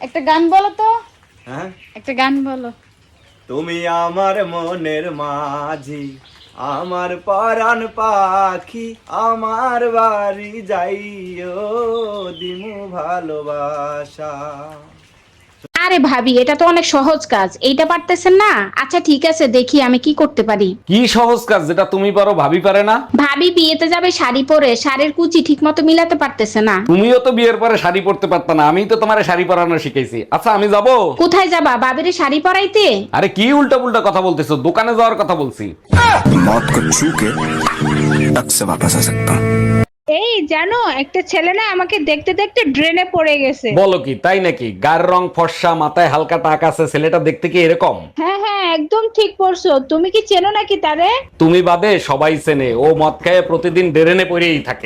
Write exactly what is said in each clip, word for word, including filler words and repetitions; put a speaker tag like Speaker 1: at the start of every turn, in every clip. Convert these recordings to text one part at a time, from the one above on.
Speaker 1: একটা গান বলো তো।
Speaker 2: হ্যাঁ,
Speaker 1: একটা গান বলো।
Speaker 2: তুমি আমার মনের মাঝি, আমার পরাণ পাখি, আমার বাড়ি যাইও দিমু ভালোবাসা।
Speaker 1: আরে ভাবি, এটা তো অনেক সহজ কাজ, এইটা পারতেছেন না? আচ্ছা ঠিক আছে, দেখি আমি কি করতে পারি।
Speaker 3: কি সহজ কাজ যেটা তুমি পারো ভাবি পারে না?
Speaker 1: ভাবি বিয়েতে যাবে শাড়ি পরে, শাড়ির কুচি ঠিক মতো মিলাতে পারতেছে না।
Speaker 3: তুমিও তো বিয়ের পরে শাড়ি পরতে পারতা না, আমিই তো তোমার শাড়ি পরানো শিখাইছি। আচ্ছা আমি যাব।
Speaker 1: কোথায় যাবা? ভাবিরে শাড়ি পরাইতে?
Speaker 3: আরে কি উল্টা পুল্টা কথা বলতেছো, দোকানে যাওয়ার কথা বলছি।
Speaker 4: मौत को छू के तक से वापस आ सकता हूँ।
Speaker 5: এই জানো, একটা ছেলে না আমাকে দেখতে দেখতে ড্রেনে পড়ে গেছে।
Speaker 3: বলো কি, তাই নাকি? গায়ের রং ফর্সা, মাথায় হালকা টাক আছে, ছেলেটা দেখতে কি এরকম?
Speaker 5: হ্যাঁ হ্যাঁ, একদম ঠিক পড়ছো। তুমি কি চেনো নাকি তারে?
Speaker 3: তুমি বাদে সবাই চেনে, ও মদ খায় প্রতিদিন ডেরেনে পড়েই থাকে।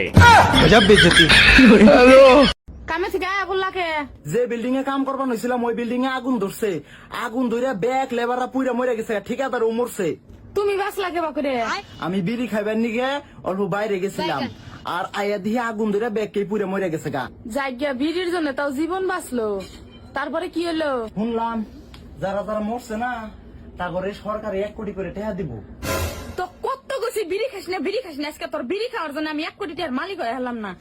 Speaker 1: কামে থেকে আয়া বললাকে
Speaker 6: যে বিল্ডিং এ কাম করবার হয়েছিলাম ওই বিল্ডিং এ আগুন ধরছে। আগুন ধরে ব্যাগ লেবাররা পুইরা মরে গেছে, ঠিকাদার ও মরছে।
Speaker 1: তুমি বাসলা কে বাকুরে?
Speaker 6: আমি বিড়ি খাইবার নিগে অল্প বাইরে গেছিলাম, আর আয়া দিয়ে আগুন ধরে ব্যাগ কে পুইরা মরে গেছে গা।
Speaker 1: জায়গা ভিড়ির জন্য তাও জীবন বাঁচলো, তারপরে কি হলো?
Speaker 6: শুনলাম যারা যারা মরছে না তারপরে সরকারে এক কোটি করে টাকা দিব।
Speaker 1: তো কত গেছি বিড়ি খাস না, বিড়ি খাস না, আজকে তোর বিড়ি খাওয়ার জন্য আমি এক কোটি টাকার মালিক হয়ে হলাম না।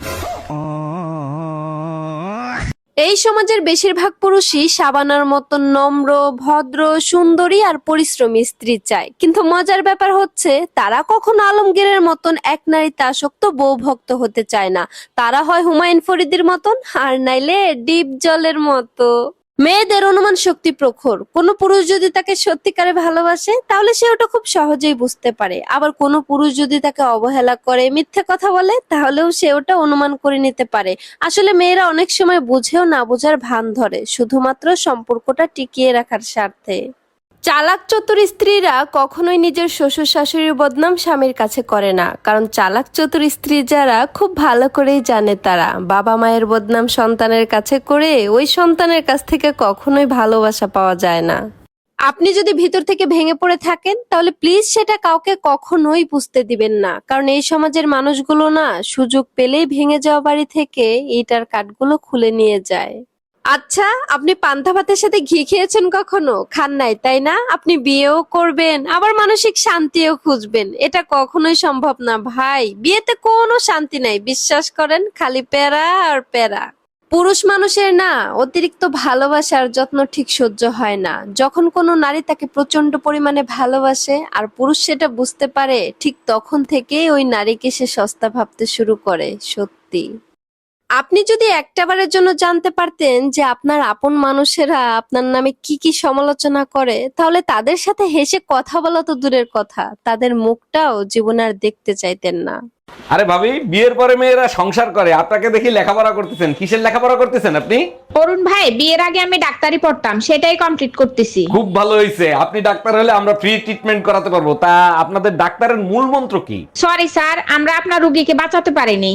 Speaker 7: এই সমাজের বেশিরভাগ পুরুষই শাবানার মতো নম্র, ভদ্র, সুন্দরী আর পরিশ্রমী স্ত্রী চায়, কিন্তু মজার ব্যাপার হচ্ছে তারা কখনো আলমগীরের মতন এক নারীতে আসক্ত বউ ভক্ত হতে চায় না। তারা হয় হুমায়ুন ফরিদির মতন, আর নাইলে ডিপ জলের মতো। মেয়েদের অনুমান শক্তি প্রখর। কোনো পুরুষ যদি তাকে সত্যিকারে ভালোবাসে তাহলে সে ওটা খুব সহজেই বুঝতে পারে, আবার কোনো পুরুষ যদি তাকে অবহেলা করে, মিথ্যে কথা বলে, তাহলেও সে ওটা অনুমান করে নিতে পারে। আসলে মেয়েরা অনেক সময় বুঝেও না বোঝার ভান ধরে, শুধুমাত্র সম্পর্কটা টিকিয়ে রাখার স্বার্থে। চালাক চতুর স্ত্রীরা কখনোই নিজের শ্বশুর শাশুড়ির বদনাম স্বামীর কাছে করে না, কারণ চালাক চতুর স্ত্রী যারা খুব ভালো করেই জানে তারা বাবা মায়ের বদনাম সন্তানের কাছে করে ওই সন্তানের কাছ থেকে কখনোই ভালোবাসা পাওয়া যায় না। আপনি যদি ভিতর থেকে ভেঙে পড়ে থাকেন তাহলে প্লিজ সেটা কাউকে কখনোই বুঝতে দিবেন না, কারণ এই সমাজের মানুষগুলো না সুযোগ পেলেই ভেঙে যাওয়া বাড়ি থেকে ইটার কাঠগুলো খুলে নিয়ে যায়। আচ্ছা, আপনি পান্তা ভাতের সাথে ঘি খেয়েছেন কখনো? খান নাই তাই না? আপনি বিয়েও করবেন আবার মানসিক শান্তিও খুঁজবেন, এটা কখনোই সম্ভব না ভাই। বিয়েতে কোনো শান্তি নাই, বিশ্বাস করেন, খালি প্যারা আর প্যারা। পুরুষ মানুষের না অতিরিক্ত ভালোবাসার যত্ন ঠিক সহ্য হয় না। যখন কোনো নারী তাকে প্রচন্ড পরিমাণে ভালোবাসে আর পুরুষ সেটা বুঝতে পারে, ঠিক তখন থেকেই ওই নারীকে সে সস্তা ভাবতে শুরু করে। সত্যি, আপনি যদি একটাবারের জন্য জানতে পারতেন যে আপনার আপন মানুষেরা আপনার নামে কি কি সমালোচনা করে, তাহলে তাদের সাথে হেসে কথা বলা তো দূরের কথা, তাদের মুখটাও জীবনে আর দেখতে চাইতেন না।
Speaker 3: আরে ভাবি, বিয়ের পরে মেয়েরা সংসার করে, আপনাকে দেখি লেখাপড়া করতেছেন। কিসের লেখাপড়া করতেছেন আপনি?
Speaker 5: অরুণ ভাই, বিয়ের আগে আমি ডাক্তারি পড়তাম, সেটাই কমপ্লিট করতেছি।
Speaker 3: খুব ভালো হয়েছে, আপনি ডাক্তার হলে আমরা ফ্রি ট্রিটমেন্ট করাতে পারবো। তা আপনাদের ডাক্তারের মূল মন্ত্র কি?
Speaker 5: সরি স্যার, আমরা আপনার রোগীকে বাঁচাতে পারিনি।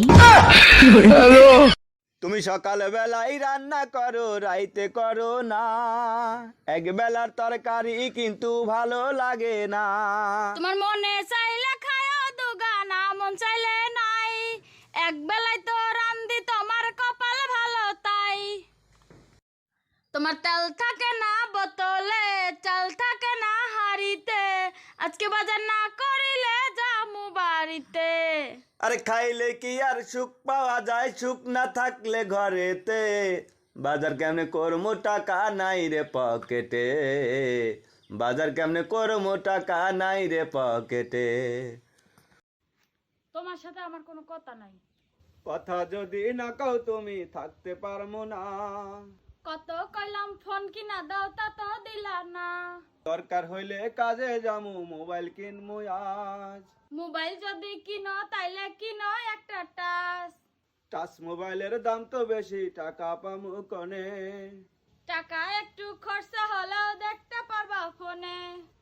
Speaker 2: তুমি সকাল বেলায় রান্না করো, রাইতে করো না, এক বেলার তরকারি কিন্তু ভালো লাগে না।
Speaker 1: তোমার মনে চাইলে খায়ও দুগানা, মন চাইলে নাই, এক বেলায় তো রান্দি, তোমার কপাল ভালো তাই। তোমার তেল থাকে না বোতলে, চাল থাকে না হাড়িতে, আজকে বাজার না করিলে যামু বাড়িতে।
Speaker 2: আরে খাইলে কি আর সুখ পাওয়া যায়, সুখ না থাকলে ঘরেতে, বাজার কেমনে করমো টাকা নাই রে পকেটে, বাজার কেমনে করমো টাকা নাই রে পকেটে।
Speaker 1: তোমার সাথে আমার কোনো কথা নাই।
Speaker 2: কথা যদি না কও তুমি থাকতে পারবো না,
Speaker 1: কত কইলাম ফোন কিনা দাও তা তো দিলা না,
Speaker 2: দরকার হইলে কাজে যামু মোবাইল কিনমু আজ।
Speaker 1: মোবাইল যদি কিনো তাইলে কিনো একটা টাচ,
Speaker 2: টাচ মোবাইলের দাম তো বেশি, টাকা পামু কনে,
Speaker 1: টাকা একটু খরচা হলেও দেখতে পারবা ফোনে।